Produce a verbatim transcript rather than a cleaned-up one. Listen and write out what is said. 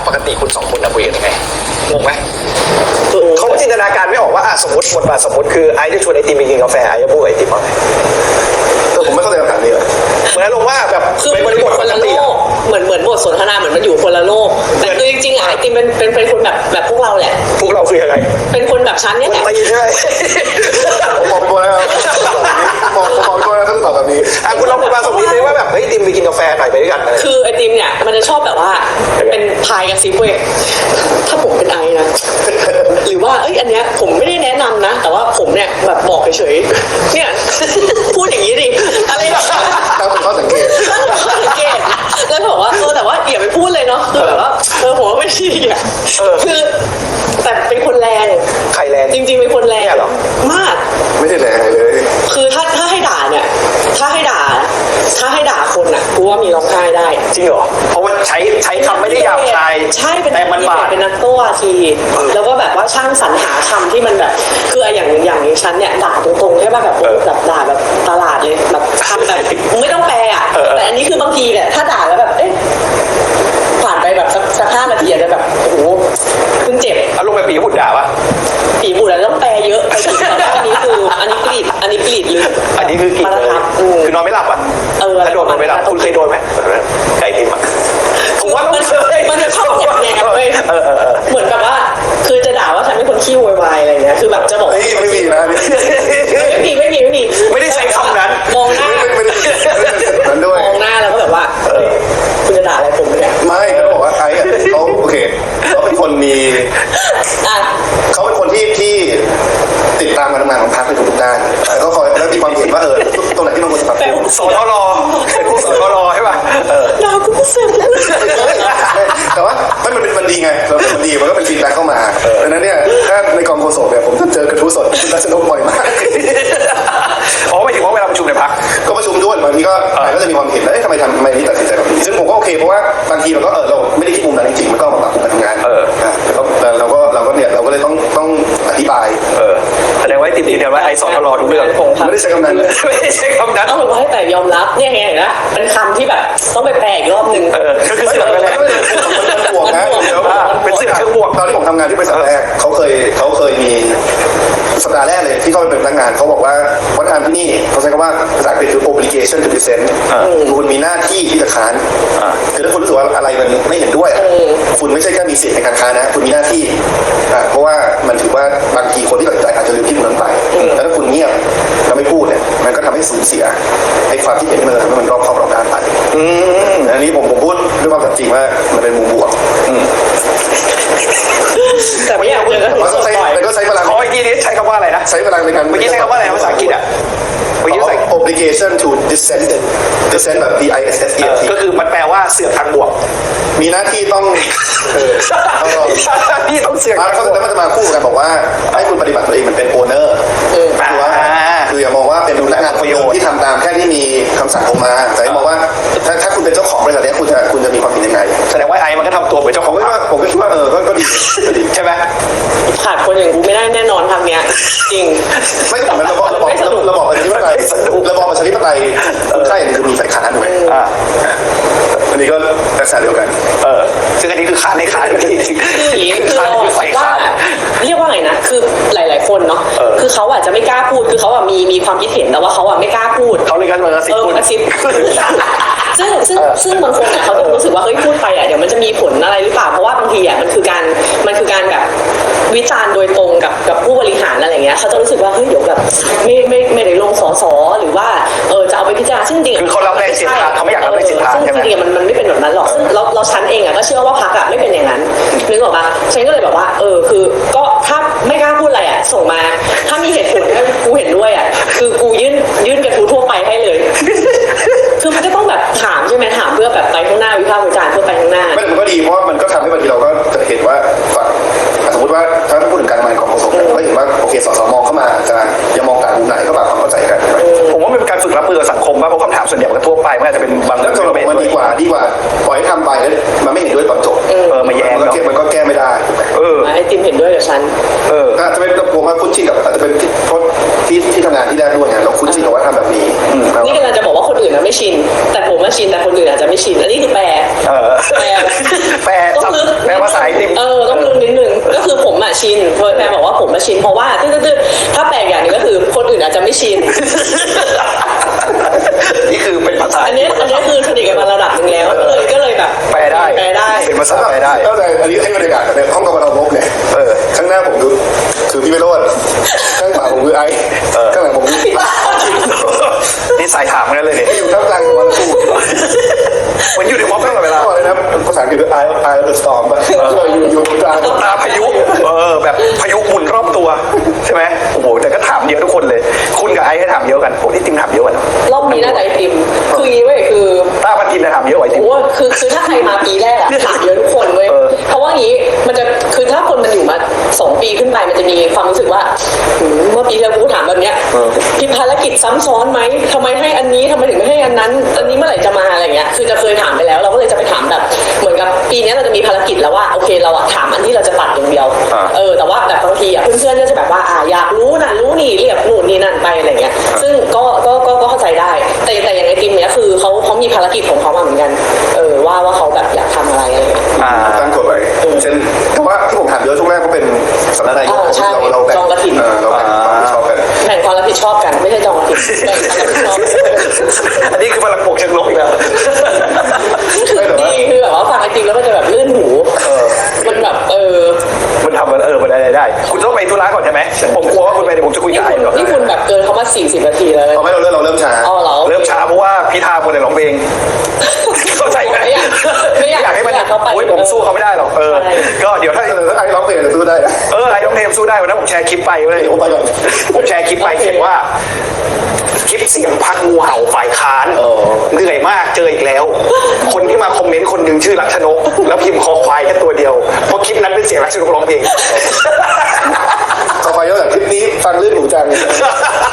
ปกติคุณสองคนคุยกันยังไงงงไหมเขาจินตนาการไม่ออกว่าสมมติบทบาทสมมติคือไอจะชวนไอติมไปกินกาแฟไอจะพูดไอติมว่าไงแต่ผมไม่เข้าใจคำถามนี้เลยเหมือนลงว่าแบบคือมันเป็นคนละโลกเหมือนเหมือนบทสนทนาเหมือนมันอยู่คนละโลกแต่คือจริงๆไอติมเป็นเป็นเป็นคนแบบแบบพวกเราแหละพวกเราคือยังไงเป็นคนแบบชั้นเนี่ยแหละไม่ใช่ผมบอกตัวแล้วบอกบอกตัวแล้วต้องตอบแบบนี้อ่ะคุณลองมาสมมติเลยว่าแบบเฮ้ยติมไปกินกาแฟหน่อยไปด้วยกันคือไอติมเนี่ยมันจะชอบแบบว่าเป็นพายกับซิปเว้ยถ้าผมเป็นไอนะหรือว่าเอ้ยอันเนี้ยผมไม่ได้แนะนำนะแต่ว่าผมเนี่ยแบบบอกเฉยๆเนี่ยพูดอย่างนี้ดิอะไรแบบตั้งข้อสังเกตข้อสังเกตแล้วบอกว่าเออแต่ว่าอย่าไปพูดเลยเนาะคือแบบว่าเออผมว่าไม่ดีอ่ะคือแต่เป็นคนแรงใครแรงจริงๆเป็นคนแรงมากไม่ได้แรงเลยคือถ้าถ้าให้ด่าเนี่ยถ้าให้ด่าถ้าให้ด่าคนอ่ะกูว่ามีร้องไห้ได้จริงเหรอเพราะว่าใช้ใช้คำไม่ได้หยาบคายใช่เป็นแต่มันบาดเป็นนักโต้ทีแล้วก็แบบว่าช่างสรรหาคำที่มันแบบคืออย่างอย่างนี้ฉันเนี่ยด่าตรงๆใช่ป่ะแบบแบบด่าแบบตลาดเลยแบบคำแบบไม่ต้องแปลอ่ะแต่อันนี้คือบางทีเนี่ยถ้าด่าแล้วแบบเอ๊ะผ่านไปแบบสักห้านาทีอาจจะแบบโอ้โหเพิ่งเจ็บอารมณ์แบบปีบุดด่าปะปีบุดแล้วต้องแปลเยอะไปถึงอันนี้คืออันนี้กรีดอันนี้กรีดลึกอันนี้คือกรีดเลยคือนอนไม่หลับอ่ะเออถ้าโดนนอนไม่หลับคุณเคยโดนไหมไก่ติมอ่ะผมว่ามันมันจะชอบอย่างแนวเลยเหมือนแบบว่าคือจะด่าว่าฉันเป็นคนขี้โวยวายอะไรเงี้ยคือแบบจะบอกไม่มีนะไม่มีไม่มีไม่มีไม่ได้ใช้คำนั้นมองหน้าไม่ได้นั้นด้วยมองหน้าแล้วก็แบบว่าคุณจะด่าอะไรผมเนี่ยไม่เขาบอกว่าไอ้เขาโอเคเขาเป็นคนมีเขาเป็นคนที่ที่ติดตามการทำงานของพรรคในทุกด้านเขาคอยแล้วมีความเห็นว่าเออตรงไหนที่มันควรจะปรับปรุงสทรเป็นผู้สทรใช่ป่ะด่ากูก็เสร็จแล้วแต่ว่าไม่มันเป็นมันดีไงเราเป็นมันดีมันก็เป็นฟีดแบ็กเข้ามาดังนั้นเนี่ยถ้าในกองโฆษกเนี่ยผมจะเจอกระทู้สดคุณรัชนกบ่อยมากอ๋อไม่ถึงว่าเวลาประชุมในพรรคก็ประชุมด้วยบางทีก็ก็จะมีความเห็นแล้วทำไมทำไมนี่ตัดสินใจแบบนี้ซึ่งผมก็โอเคเพราะว่าบางทีเราก็เออเราไม่ได้คิดมุมนั้นจริงๆมันก็มาปรับปรุงการทำงานเออแต่เราก็เราก็เนี่ยเราก็เลยต้องต้องอธิบายเออแสดงว่าติดติดเดียวว่าไอ้สอนตลอดทุกเรื่องไม่ได้ใช้คำนั้นไม่ได้ใช้คำนั้นต้องบอกให้แต่ยอมรับเนี่ยไงนะเป็นคำที่แบบต้องไปแปลอีกรอบนึงเออก็คือเสือกไปแล้วมันบวกนะเป็นเสือกเชิงบวกตอนที่ผมทำงานที่บริษัทแรกเขาเคยเขาเคยมีสัปดาห์แรกเลยที่เขาไปเป็นพนักงานเขาบอกว่าวัฒนธรรมที่นี่เขาใช้คำว่าภาษาอังกฤษคือ obligation to present คุณมีหน้าที่ที่จะค้านคือถ้าคุณรู้สึกว่าอะไรมันไม่เห็นด้วยคุณไม่ใช่แค่มีสิทธิ์ในการค้านนะคุณมีหน้าที่เพราะว่ามันถือว่าบางทีคนที่ตัดสินใจอาจจะลืมคิดนั้นไปแล้วถ้าคุณเงียบแล้วไม่พูดเนี่ยมันก็ทำให้สูญเสียไอ้ความที่เห็นมันทำให้มันรอบคอบรอบด้านไปอันนี้ผมผมพูดด้วยความจริงว่ามันเป็นมุมบวกแต่ไม่อยากเจอกันก็ใช้ก็ใช้พลังขออีกทีนี้ใช้คำว่าอะไรนะใช้พลังในการเมื่อกี้ใช้คำว่าอะไรภาษาอังกฤษอ่ะเมื่อกี้ใช้ obligation to dissent dissent แบบ D I S S E N T ก็คือมันแปลว่าเสือกทางบวกมีหน้าที่ต้องพี่ต้องเสือกแล้วเขาจะมาคู่กันบอกว่าให้คุณปฏิบัติตัวเองเหมือนเป็น owner คือว่าคืออย่ามองว่าเป็นพนักงานประโยชน์ที่ทำตามแค่ที่มีคำสั่งออกมาแต่มองว่าถ้าถ้าคุณเป็นเจ้าของบริษัทนี้คุณจะคุณจะมีความผิดยังไงแสดงว่าไอ้มันก็ทำตัวเหมือนเจ้าของผมก็ว่าผมก็คิดว่าเออก็ดีใช่ไหมขาดคนอย่างกูไม่ได้แน่นอนทำเนี้ยจริงไม่แต่มันระบอบระบอบระบอบประชาธิปไตยระบอบประชาธิปไตยใช่คือมีฝ่ายค้านด้วยอันนี้ก็ลักษณะเดียวกันเออซึ่งอันนี้คือค้านในค้านจริงคืออย่างนี้คือเราว่าเรียกว่าไงนะคือหลายๆคนเนาะคือเขาอาจจะไม่กล้าพูดคือเขาอะมีมีความคิดเห็นแต่ว่าเขาอะไม่กล้าพูดเขาเลยกันมากระซิบพูดกระซิบซึ่งซึ่งซึ่งบางคนเขาจะรู้สึกว่าเฮ้ยพูดไปอ่ะเดี๋ยวมันจะมีผลอะไรหรือเปล่าเพราะว่าบางทีอ่ะมันคือการมันคือการแบบวิจารณ์โดยตรงกับกับผู้บริหารอะไรเงี้ยเขาจะรู้สึกว่าเฮ้ยเดี๋ยวแบบไม่ไม่ไม่ได้ลงสสหรือว่าเออจะเอาไปพิจารณาซึ่งจริงคือเขารับแรงเสียดทานเขาไม่อยากรับแรงเสียดทานซึ่งจริงๆมันมันไม่เป็นแบบนั้นหรอกซึ่งเราเราชั้นเองอ่ะก็เชื่อว่าพรรคอ่ะไม่เป็นอย่างนั้นนึกออกปะฉันก็เลยแบบว่าเออคือก็ถ้าไม่กล้าพูดอะไรอ่ะส่งมาถ้ามีเหตุผลถ้ากูเห็นด้วยอ่ะคือกูยื่นยื่นกระทู้ทั่วไปให้เลยคือมันก็ต้องแบบถามใช่ไหมถามเพื่อแบบไปข้างหน้าวิพากษ์วิจารณ์เพื่อไปข้างหน้าไม่มันก็ดีเพราะมันก็ทำให้บางทีเราก็จะเห็นว่าสมมติว่าถ้าพูดถึงการทำงานของกองสมก็เห็นว่าโอเคสสมองเข้ามาจะยังมองต่างมุมไหนก็แบบความเข้าใจกันผมว่ามันเป็นการฝึกรับมือกับสังคมป่ะเพราะคำถามส่วนใหญ่มันทั่วไปมันอาจจะเป็นบางเรื่องมันดีกว่าดีกว่าปล่อยให้ทำไปแล้วมันไม่เห็นด้วยตอนจบเออมาแย้งมันก็แก้ไม่ได้เออไอติมเห็นด้วยกับฉันเอออาจจะเป็นผมว่าคุ้นชินกับอาจจะเป็นเพราะที่ที่ทำงานที่แรกด้วยไงเราคุ้นชินกับว่าทำแบบนี้นี่กำลังจะบอกว่าคนอื่นนะไม่ชินแต่ผมมาชินแต่คนอื่นอาจจะไม่ชินอันนี้คือแปลเออแปลแปลต้องลึกแปลภาษาไอติมเออต้องลึกนิดนึงก็คือผมอะชินเพราะแปลบอกว่าผมมาชินเพราะว่าตื้อๆถ้าแปลอย่างหนึงก็คือคนอื่นอาจจะไม่ชินนี่คือเป็นภาษาอันนี้อันนี้คือสนิทกันมาระดับหนึ่งแล้วก็เลยก็เลยแบบแปลได้แปลได้เป็นภาษาแปลได้ก็เลยอันนี้ให้บรรยากาศในห้องกรรมการพบเนี่ยเออข้างหน้าผมคือคือพี่วิโรจน์ข้างขวาผมคือไอ้เออข้างหลังผมคือนี่สายถามกันเลยเนี่ยอยู่ท่ามกลางวันคู่เหมือนอยู่ในม็อบตลอดเวลาก็เลยนะภาษาอังกฤษคือ eye of eye of the storm ป่ะอยู่อยู่ตรงกลางตาพายุเออแบบพายุหมุนรอบตัวใช่ไหมโอ้โหแต่ก็ถามเยอะทุกคนเลย คุณกับไอ้ให้ถามเยอะกันผมที่ติมถามเยอะกันรอบนี้น่าจะไอติมคืออย่างนี้เว้ยคือต้าพันทิมจะถามเยอะกว่าไอ้ติมโอ้คือคือถ้าใครมาปีแรกอะถามเยอะทุกคนเว้ยเออเพราะว่างี้มันจะคือถ้าคนมันอยู่มาสองปีขึ้นไปมันจะมีความรู้สึกว่าหืมเมื่อปีที่แล้วกูถามแบบเนี้ยพี่ภารกิจซ้ำซ้อนไหมทำไมให้อันนี้ทำไมถึงไม่ให้อันนั้น อันนี้เมื่อไหร่จะมาอะไรเงี้ยคือจะเคยถามไปแล้วเราก็เลยจะไปถามแบบเหมือนกับปีนี้เราจะมีภารกิจแล้วว่าโอเคเราอะถามอันที่เราจะตัดอย่างเดียวเออแต่ว่าแบบบางทีอะเพื่อนๆก็จะแบบว่าอ่าอยากรู้นะรู้นี่เรียบนู่นนี่นั่นไปอะไรเงี้ยซึ่งก็ก็ก็ก็เข้าใจได้ แต่แต่อย่างไอติมเนี้ยคือเขาเขามีภารกิจของเขามาเหมือนกันเออว่าว่าเขาแบบอยากทำอะไรอะไรเงี้ยอ่าตั้งกฎไว้เช่นแต่ว่าที่ผมถามเยอะช่วงแรกก็เป็นสำนักนายกอ่าใช่เราเราแบ่งจองกฐินเออเราแบ่งความรับผิดชอบกันแบ่งความรับผิดชอบกันไม่ใช่จองกฐินแบ่งความรับผิดชอบอันนี้คือพลังบวกเชิงลบอีกแล้วดีคือแบบว่าฟังไอติมแล้วมันจะแบบลื่นหูเออมันแบบเออมันทำมันเออมันอะไรได้ คุณต้องไปธุระก่อนใช่ไหมผมกลัวว่าคุณไปเดี๋ยวผมจะคุยนี่กับไอ้คุณก่อนนี่คุณแบบเกินเขามาสี่สิบนาทีแล้วเอาไม่เราเริ่มเราเริ่มช้าอ๋อเหรอเริ่มช้าเพราะว่าพิธาคนแต่ร้องเพลงเข้าใจไหมไม่อยากไม่อยากอยากให้มันไม่อยากเข้าไปโอ้ยผมสู้เขาไม่ได้หรอกเออใช่ก็เดี๋ยวถ้าเออถ้าไอ้ร้องเพลงจะสู้ได้นะเออไอ้ร้องเพลงสู้ได้วันนั้นผมแชร์คลิปไปเลยผมไปก่อนผมแชร์คลิปไปเขียนว่า คลิปเสียงพักงูเห่าฝ่ายค้านเออเหนื่อยมากเจออีกแล้ว คนที่มาคอมเมนต์คนหนึ่งชื่อลักษณกแล้วพิมพ์คอควายแค่ตัวเดียวเพราะคลิปนั้นเป็นเสียงลักษณกร้องเพลงต่อไปก็แบบคลิปนี้ฟังลื่นหูจัง